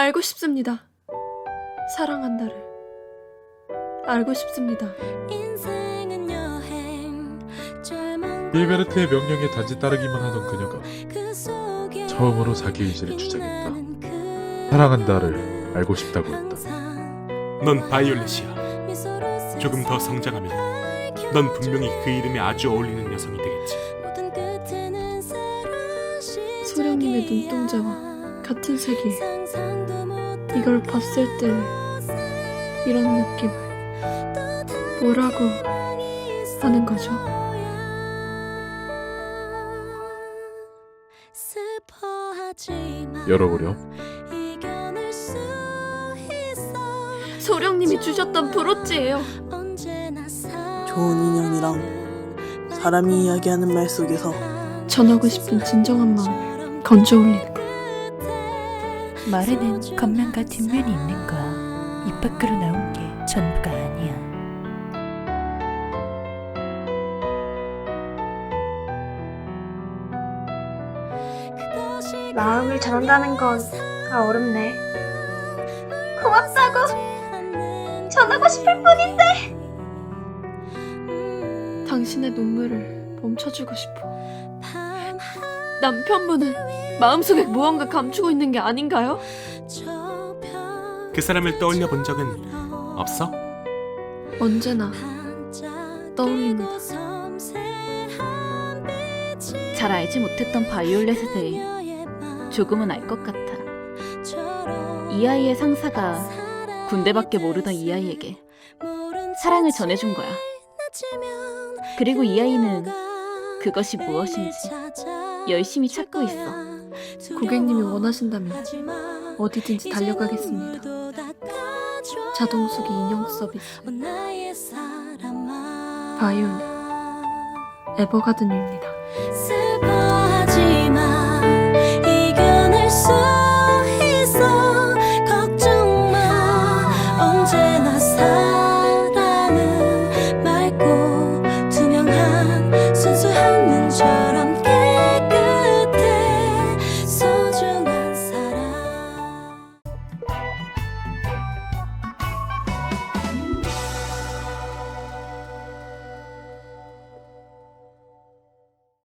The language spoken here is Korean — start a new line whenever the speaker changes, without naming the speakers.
알고 싶습니다. 사랑한다를 알고 싶습니다.
빌베르트의 명령에 단지 따르기만 하던 그녀가 처음으로 자기 의지를 주장했다. 사랑한다를 알고 싶다고 했다.
넌 바이올렛이야. 조금 더 성장하면 넌 분명히 그 이름에 아주 어울리는 여성이 되겠지.
소령님의 눈동자와 같은 색이 이걸 봤을 때 이런 느낌을 뭐라고 하는 거죠?
열어보렴.
소령님이 주셨던 브로치예요.
좋은 인연이랑 사람이 이야기하는 말 속에서
전하고 싶은 진정한 마음을 건져 올리는 거.
말에는 겉면과 뒷면이 있는 거야. 입 밖으로 나온 게 전부가 아니야.
마음을 전한다는 건 어렵네. 고맙다고 전하고 싶을 뿐인데.
당신의 눈물을 멈춰주고 싶어. 남편분은 마음속에 무언가 감추고 있는 게 아닌가요?
그 사람을 떠올려 본 적은 없어?
언제나 떠올립니다.
잘 알지 못했던 바이올렛에 대해 조금은 알 것 같아. 이 아이의 상사가 군대밖에 모르던 이 아이에게 사랑을 전해준 거야. 그리고 이 아이는 그것이 무엇인지 열심히 찾고 있어.
고객님이 원하신다면 어디든지 달려가겠습니다. 자동수기 인형 서비스 바이올렛 에버가든입니다.